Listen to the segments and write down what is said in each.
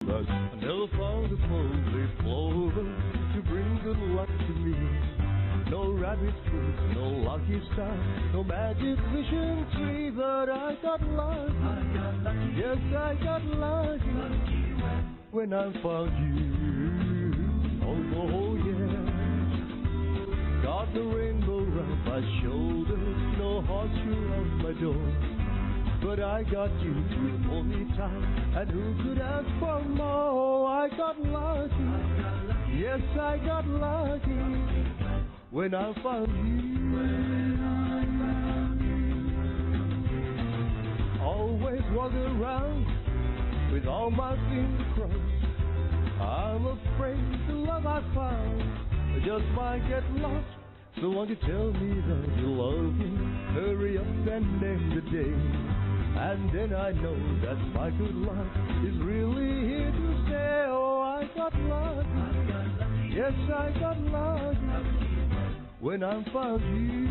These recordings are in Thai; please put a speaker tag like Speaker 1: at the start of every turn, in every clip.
Speaker 1: but I never found a four-leaf clover to bring good luck to me. No rabbit foot, no lucky star, no magic vision tree, but I got lucky. Yes, I got lucky when I found you. Oh yeah. Got the rainbow round my shoulders, no horseshoe on my door, but I got you to hold me tight, and who could ask for more? I got lucky. Yes, I got lucky when I found you. Always walk around with all my fingers crossed. I'm afraid the love I found just might get lost. So won't you tell me that you love me? Hurry up and name the day, and then I know that my good luck is really here to stay. Oh, I got lucky. Yes, I got lucky when I found you.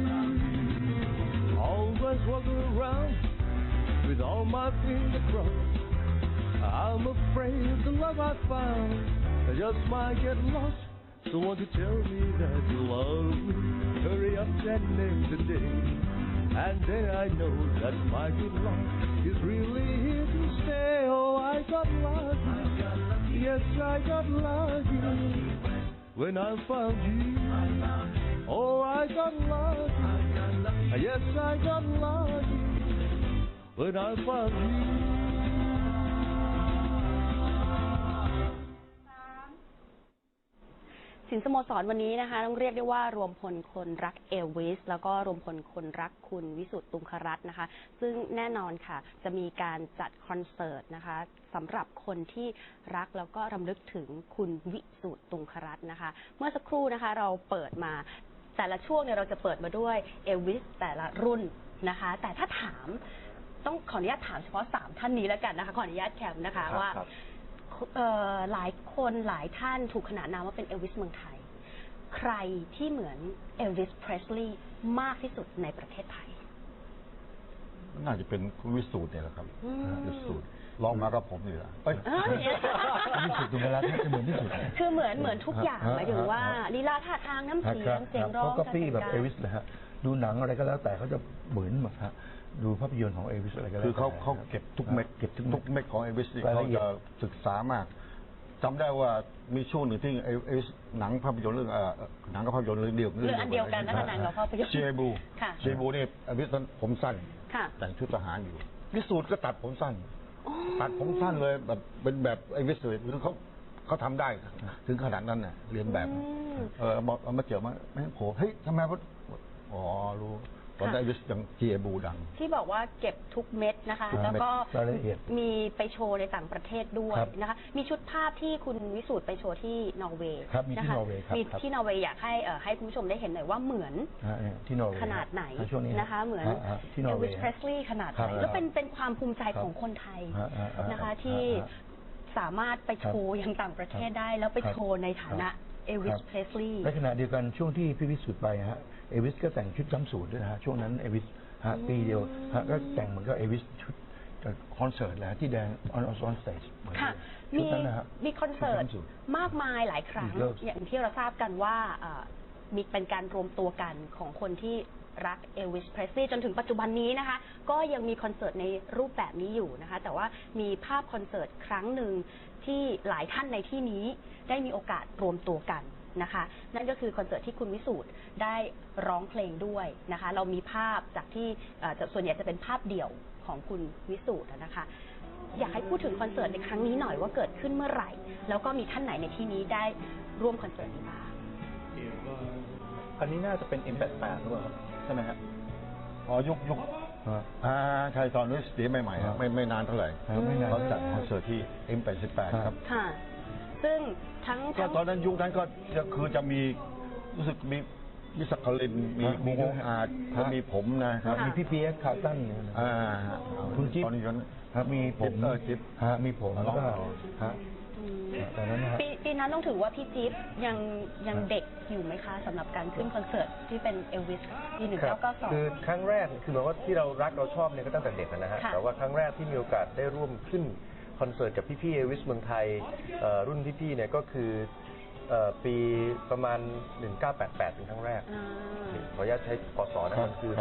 Speaker 1: Always walk around with all my fingers crossed. I'm afraid the love I found just might get lost. So won't you tell me that you love me? Hurry up and name the day, and then I know that my good luck is really here to stay. Oh, I got lucky. Yes, I got lucky when I found you. Oh, I got lucky. Yes, I got lucky when I found you.
Speaker 2: สินสโมสรวันนี้นะคะต้องเรียกได้ว่ารวมพลคนรักเอลวิสแล้วก็รวมพลคนรักคุณวิสุทธิ์ตุงครัตน์นะคะซึ่งแน่นอนค่ะจะมีการจัดคอนเสิร์ตนะคะสำหรับคนที่รักแล้วก็รำลึกถึงคุณวิสุทธิ์ตุงครัตน์นะคะเมื่อสักครู่นะคะเราเปิดมาแต่ละช่วงเนี่ยเราจะเปิดมาด้วยเอลวิสแต่ละรุ่นนะคะแต่ถ้าถามต้องขออนุญาตถามเฉพาะ3ท่านนี้แล้วกันนะคะขออนุญาตแคมนะคะว่าหลายคนหลายท่านถูกขนานนามว่าเป็นเอลวิสเมืองไทยใครที่เหมือนเอลวิสเพรสลีย์มากที่สุดในประเทศไทย
Speaker 3: น่าจะเป็นคุณวิสูตรเนี่ยแหละครับวิสูตรลองมากับผมนี่แหละ
Speaker 4: วิสูตรตุงครัตน์จะเหมือนที่สุด
Speaker 2: คือเหมือนทุกอย่างหมายถึงว่าลีลาท่าทางน้ำเสียงเสียงร้อง
Speaker 4: เขาก็ปี้แบบเอลวิสเลยฮะดูหนังอะไรก็แล้วแต่เขาจะเหมือนหมดฮะดูภาพยนตร์ของเอลวิสอะไรก็แล้ว
Speaker 3: คือเขาเก็บทุกเม็ดของเอลวิสเขาจะศึกษามากจำได้ว่ามีช่วงหนึ่งที่เอลวิสหนังภาพยนตร์เรื่องหนังกับภาพยนตร์เรื่องเดียว
Speaker 2: กันนะคะหนังกับภาพยนตร์
Speaker 3: เจบูนี่เอลวิสตอนผมสั้นแต่งชุดทหารอยู่วิสูตรก็ตัดผมสั้นเลยแบบเป็นแบบเอลวิสเลยคือเขาทำได้ถึงขนาดนั้นน่ะเรียนแบบบอกเอามาเจอมาไม่โหเฮ้ยทำไมวะอ๋อรู้ตอนได้วิสยังเจบูดัง
Speaker 2: ที่บอกว่าเก็บทุกเม็ดนะคะแล้วก็มีไปโชว์ในต่างประเทศด้วยนะคะมีชุดภาพที่คุณวิสูตรไปโชว์ที่นอร์เวย์
Speaker 4: นะคะ
Speaker 2: มีที่นอร์เวย์อยากให้คุณผู้ชมได้เห็นหน่อยว่าเหมือน
Speaker 4: ที่นอร์เวย์
Speaker 2: ขนาดไหนนะคะเหมือนเอลวิสเพรสลีย์ขนาดไหนแล้วเป็นความภูมิใจของคนไทยนะคะที่สามารถไปโชว์ยังต่างประเทศได้แล้วไปโชว์ในฐานะเอลวิสเพรสลีย์
Speaker 4: ในขณะเดียวกันช่วงที่พี่วิสุทธิ์ไปฮะเอลวิสก็แต่งชุดจำสูทด้วยนะฮะช่วงนั้นเอลวิสปีเดียวก็แต่งเหมือนกับเอลวิสชุดคอนเสิร์ตแหละที่แดงออนสเตจ
Speaker 2: ค่ะมีคอนเสิร์ตมากมายหลายครั้งอย่างที่เราทราบกันว่ามีเป็นการรวมตัวกันของคนที่รักเอลวิสเพรสลีย์จนถึงปัจจุบันนี้นะคะก็ยังมีคอนเสิร์ตในรูปแบบนี้อยู่นะคะแต่ว่ามีภาพคอนเสิร์ตครั้งหนึ่งที่หลายท่านในที่นี้ได้มีโอกาสรวมตัวกันนะคะนั่นก็คือคอนเสิร์ตที่คุณวิสูตรได้ร้องเพลงด้วยนะคะเรามีภาพจากที่ส่วนใหญ่จะเป็นภาพเดี่ยวของคุณวิสูตรนะคะอยากให้พูดถึงคอนเสิร์ตในครั้งนี้หน่อยว่าเกิดขึ้นเมื่อไหร่แล้วก็มีท่านไหนในที่นี้ได้ร่วมคอนเสิร์ตนี้บ้าง
Speaker 5: อันนี้น่าจะเป็น M88 หรือเปล่าใช่ไหมครับ
Speaker 3: ยุคใช่ตอนนี้สตีใหม่ๆไม่นานเท่าไหร่เขาจัดคอนเสิร์ตที่ M88 ครับ
Speaker 2: ค่ะซึ่งทั้ง
Speaker 3: ตอนนั้นยุคนั้นก็คือจะมีรู้สึกมียิสกลินมีโมอาดมีผมนะครับ
Speaker 4: มีพี่เปียกคาร์ตันคุณจิ๊บครับมีผม
Speaker 3: จิ๊บ
Speaker 4: มีผมแล้วก็แต่นั้นนะ
Speaker 2: ปีนั้นต้องถือว่าพี่จิ๊บยังเด็กอยู่ไหมคะสำหรับการขึ้นคอนเสิร์ตที่เป็นเอลวิสปี1992
Speaker 5: คือครั้งแรกคือหมายว่าที่เรารักเราชอบเนี่ยก็ตั้งแต่เด็กนะฮะแต่ว่าครั้งแรกที่มีโอกาสได้ร่วมขึ้นค
Speaker 6: คอนเสิร์ตกับพี่ๆเอวิสเมืองไทยรุ่นพี่ๆเนี่ยก็คือปีประมาณ 1988 เป็นครั้งแรกขออนุญาตใช้พศนะมันคือ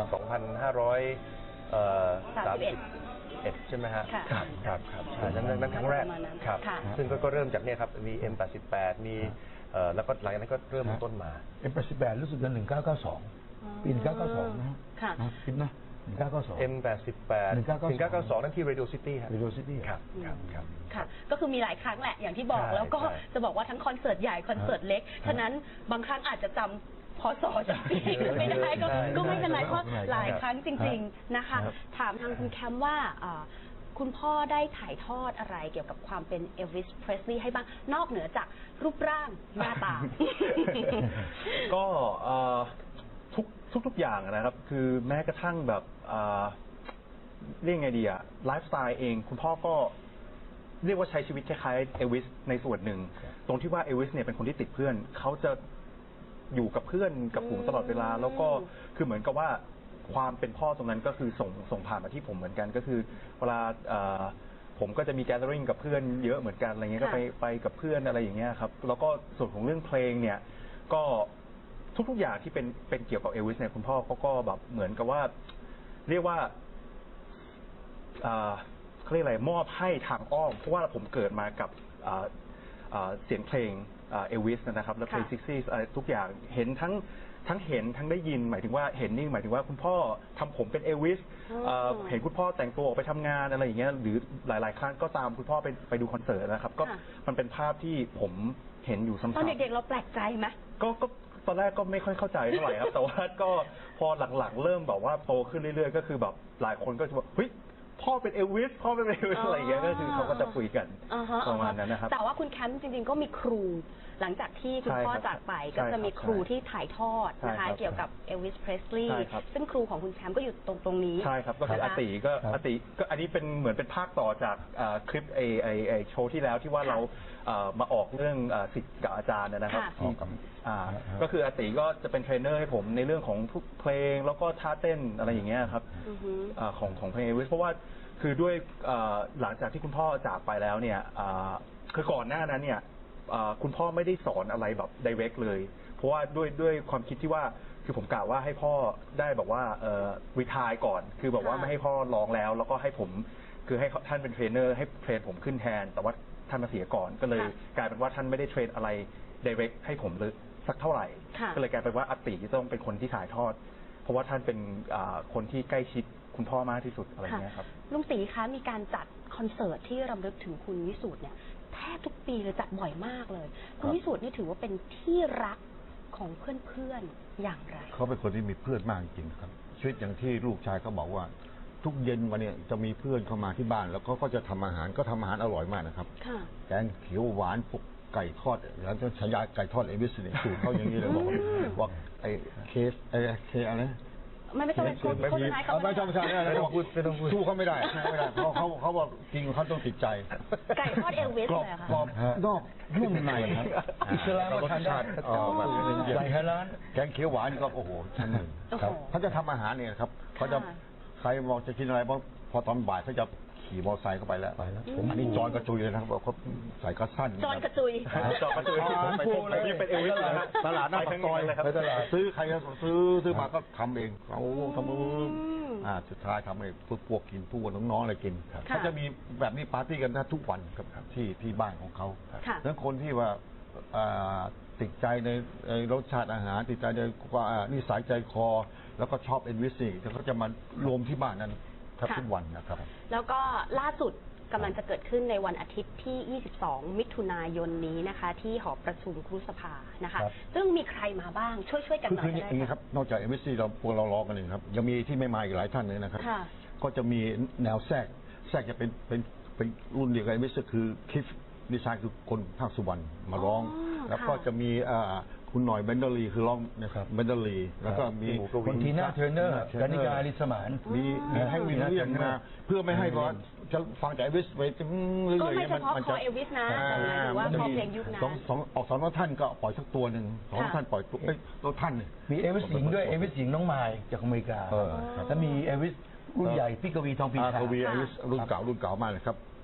Speaker 6: 2531 ใช่ไหมฮะครับนั้นครั้งแรกครับซึ่งก็เริ่มจากเนี่ยครับมี M88 มีแล้วก็หลังจากนั้นก็เริ่มต้นมา
Speaker 4: M88 รู้สึกจะ1992 ปี 1992 นะฮะคิดนะ 1992
Speaker 6: M88 1992 นั่นที่ Radio City ครับ
Speaker 4: Radio City
Speaker 6: ครับ
Speaker 2: ค่ะก็คือมีหลายครั้งแหละอย่างที่บอกแล้วก็จะบอกว่าทั้งคอนเสิร์ตใหญ่คอนเสิร์ตเล็กฉะนั้นบางครั้งอาจจะจำพศจากปีไม่ได้ก็ไม่เป็นไรเพราะหลายครั้งจริงๆนะคะถามทางคุณแคมว่าคุณพ่อได้ถ่ายทอดอะไรเกี่ยวกับความเป็นเอลวิส เพรสลีย์ให้บ้างนอกเหนือจากรูปร่างหน้าตา
Speaker 5: ก็ทุกอย่างนะครับคือแม้กระทั่งแบบเรียกไงดีอะไลฟ์สไตล์เองคุณพ่อก็เรียกว่าใช้ชีวิตคล้ายๆเอลวิสในส่วนหนึ่งตรงที่ว่าเอลวิสเนี่ยเป็นคนที่ติดเพื่อนเขาจะอยู่กับเพื่อนกับผมตลอดเวลาแล้วก็คือเหมือนกับว่าความเป็นพ่อตรงนั้นก็คือส่งผ่านมาที่ผมเหมือนกันก็คือเวลาผมก็จะมีแก t เ e อริ่งกับเพื่อนเยอะเหมือนกันอะไรเงี้ยก็ไปกับเพื่อนอะไรอย่างเงี้ยครับแล้วก็ส่วนของเรื่องเพลงเนี่ยก็ทุกอย่างที่เป็นเกี่ยวกับเอลวิสเนี่ยคุณพ่อก็แบบเหมือนกับว่าเรียกว่าเขาเรียกอะไรมอบให้ทางอ้อมเพราะว่าผมเกิดมากับเสียงเพลงเอลวิสนะครับและเพลง60อะไรทุกอย่างเห็นทั้งเห็นทั้งได้ยินหมายถึงว่าเห็นนี่หมายถึงว่าคุณพ่อทำผมเป็นเอลวิสเห็นคุณพ่อแต่งตัวออกไปทำงานอะไรอย่างเงี้ยหรือหลายๆครั้งก็ตามคุณพ่อไปดูคอนเสิร์ตนะครับก็มันเป็นภาพที่ผมเห็นอยู่ซ้ำๆ
Speaker 2: ตอนเด็กๆเราแปลกใจไหม
Speaker 5: ก็ตอนแรกก็ไม่ค่อยเข้าใจเท่าไหร่ครับแต่ว่าก็พอหลังๆเริ่มแบบว่าโตขึ้นเรื่อยๆก็คือแบบหลายคนก็จะบอกเฮ้ยพ่อเป็นเอลวิสพ่อเป็นเอลวิสอะไรอย่างเงี้ยก็คือเขาก็จะคุยกันประมาณนั้นนะครับ
Speaker 2: แต่ว่าคุณแคมป์จริงๆก็มีครูหลังจากที่คุณพ่อจากไปก็จะมีครูที่ถ่ายทอดนะคะเกี่ยวกับเอลวิส เพรสลีย์ซึ่งครูของคุณแคมป์ก็อยู่ตรงนี้
Speaker 5: ใช่ครับก็คืออาติก็อันนี้เป็นเหมือนเป็นภาคต่อจากคลิปไอโชว์ที่แล้วที่ว่าเรามาออกเรื่องศิษย์กับอาจารย์นะครับก็คืออาติก็จะเป็นเทรนเนอร์ให้ผมในเรื่องของทุกเพลงแล้วก็ท่าเต้นอะไรอย่างเงี้ยครับของเพลงเอลวิสเพราะว่าคือด้วยหลังจากที่คุณพ่อจากไปแล้วเนี่ยคือก่อนหน้านั้นเนี่ยคุณพ่อไม่ได้สอนอะไรแบบ direct เลยเพราะว่าด้วยความคิดที่ว่าคือผมกล่าวว่าให้พ่อได้แบบว่ารีไทร์ก่อนคือแบบว่าไม่ให้พ่อร้องแล้วก็ให้ผมคือให้ท่านเป็นเทรนเนอร์ให้เทรนผมขึ้นแทนแต่ว่าท่านมาเสียก่อนก็เลยกลายเป็นว่าท่านไม่ได้เทรนอะไร direct ให้ผมเลยสักเท่าไหร่ก็เลยกลายเป็นว่าอาติจะต้องเป็นคนที่ถ่ายทอดเพราะว่าท่านเป็นคนที่ใกล้ชิดคุณพ่อมากที่สุดอะไรเงี้ยครับ
Speaker 2: ลุงศรีคะมีการจัดคอนเสิร์ตที่รำลึกถึงคุณวิสูตรเนี่ยแทบทุกปีเลยจัดบ่อยมากเลยคุณวิสูตรนี่ถือว่าเป็นที่รักของเพื่อนๆอย่างไร
Speaker 3: เขาเป็นคนที่มีเพื่อนมากจริงครับชีวิตอย่างที่ลูกชายเขาบอกว่าทุกเย็นวันนี้จะมีเพื่อนเข้ามาที่บ้านแล้วก็จะทำอาหารก็ทำอาหารอร่อยมากนะครับแกงเขียวหวานพวกไก่ทอดแล้วจะฉายาไก่ทอดเอวิสเนี่ยสูตรเขาอย่างนี้เลยบอกว่าไอ้เคอะไร
Speaker 2: ไม่ต้องเป็นโฆษณาเขา
Speaker 3: ไม่ต้องสู้เขาไม่ได้เขาบอกจริงเขาต้องติดใจ
Speaker 2: ไก่ทอดเอลวิสเลยค่ะ
Speaker 3: กรอบนอกนุ่มในครับ
Speaker 4: อิสลามรสชาติใส่ให้ร้าน
Speaker 3: แกงเขียวหวานก็โอ้โหชั้นหนึ่งครับเขาจะทำอาหารเนี่ยครับเขาจะใครบอกจะกินอะไรพอตอนบ่ายเขาจะขี่มอเตอร์ไซค์เข้าไปแล้วผมอันนี้จอนกระจุยเลยนะครับเขาใส่กระสั้น
Speaker 2: จอนกระจุย
Speaker 5: ผมนี่เป็นเอลวิสนะครับ
Speaker 3: ตลาดหน้าปากซอยไปตลาดซื้อใครก็ซื้อมาก็ทำเองเขาทำสุดท้ายทำให้พวกกินพวกน้องๆอะไรกินเขาจะมีแบบนี้ปาร์ตี้กันทุกวันครับที่บ้านของเขาแล้วคนที่ว่าติดใจในรสชาติอาหารติดใจในนิสัยใจคอแล้วก็ชอบเอลวิสนี่เขาจะมารวมที่บ้านนั้นทุกวันนะครับ
Speaker 2: แล้วก็ล่าสุดกำลังจะเกิดขึ้นในวันอาทิตย์ที่ 22 มิถุนายนนี้นะคะที่หอประชุมครุสภานะคะซึ่งมีใครมาบ้างช่วยกันหน่อยได้ไหม
Speaker 3: ครับนอกจากเอวิสซี่เราพวกเรารอกันเลยครับยังมีที่ไม่มาอีกหลายท่านเลยนะครับก็จะมีแนวแทรกจะเป็นรุ่นเดียวกับเอวิสคือคลิฟดีไซน์คือคนภาคสุวรรณมาร้องแล้วก็จะมีคุณหน่อยเบนเดอรีคือร้องนะครับเบนเดอรีแล้วก็มี
Speaker 4: คนทีน่าเทรนเนอร์กานิกาลิสมาน
Speaker 3: มีให้วิลเลียมมาเพื่อไม่ให้ร้อนจะฟังจากเอลวิสไปเรื่อย
Speaker 2: ๆมันจะเอลวิสนะหรือว่าพอเพลงยุคนั้น
Speaker 3: สองท่านก็ปล่อยสักตัวหนึ่งสองท่านปล่อยตัวท่าน
Speaker 4: มีเอลวิสหญิงด้วยเอลวิสหญิงน้องไมล์จากอเมริกาแล้วมีเอลวิสรุ่นใหญ่พี่กวีทองปีชา
Speaker 3: กวีเอลวิสรุ่นเก่ามากเลยครับ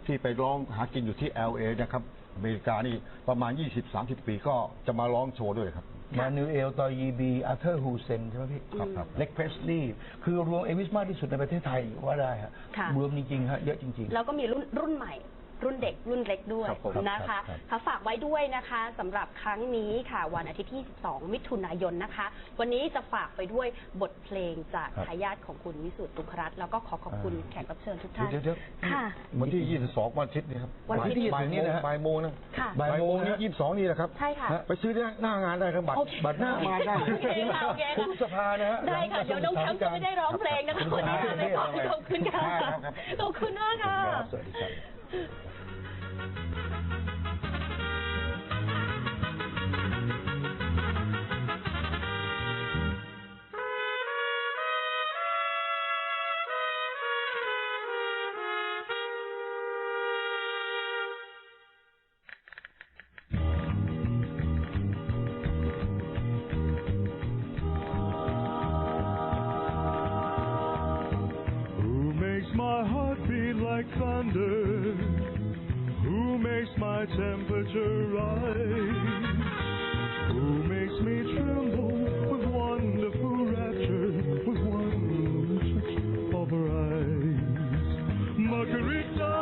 Speaker 3: ที่ไปร้องหากินอยู่ที่ LA นะครับอเมริกานี่ประมาณ 20-30 ปีก็จะมาร้องโชว์ด้วยครับ
Speaker 4: มานูเอลตอยีบีอาร์เธอร์ฮูเซนใช่ไหมพี่ครับเล็กเพรสลีย์คือรวมเอวิสมากที่สุดในประเทศไทยว่าได้ฮะรวมจริงๆฮะเยอะจริงๆ
Speaker 2: แล้วก็มีรุ่นใหม่รุ่นเด็กรุ่นเล็กด้วยนะคะฝากไว้ด้วยนะคะสำหรับครั้งนี้ค่ะวันอาทิตย์ที่22มิถุนายนนะคะวันนี้จะฝากไปด้วยบทเพลงจากทายาทของคุณวิสุทธิ์ตุงครัตน์แล้วก็ขอบคุณแขกรับเชิญทุกท่านค่ะ
Speaker 3: วันที่22วันอาทิตย์นี้ครับ
Speaker 2: วันที่
Speaker 3: บ่ายโมงนะบ่ายโมงนี้22นี่นะครับ
Speaker 2: ใช่ค่ะ
Speaker 3: ไปซื้อหน้างานได้ครับบัตรหน้างานได้
Speaker 4: ทุกสภานะฮะ
Speaker 2: ได้ค่ะเดี๋ยวน้องแชมป์จะไม่ได้ร้องเพลงนะคะวันนี้ไปก่อนขอบคุณค่ะขอบคุณมากค่ะ
Speaker 4: สวัสดีครับ
Speaker 1: My heart beat like thunder. Who makes my temperature rise? Who makes me tremble with wonderful rapture, with one touch of her eyes? Margarita.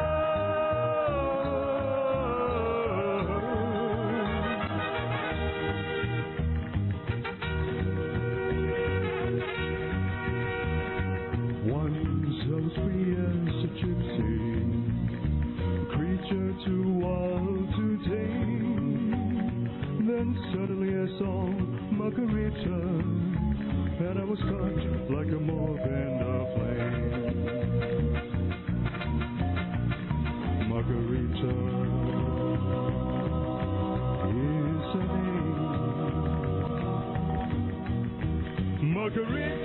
Speaker 1: Free as a gypsy, creature too wild to tame. Then suddenly I saw Margarita, and I was caught like a moth in a flame. Margarita is her name. Margarita.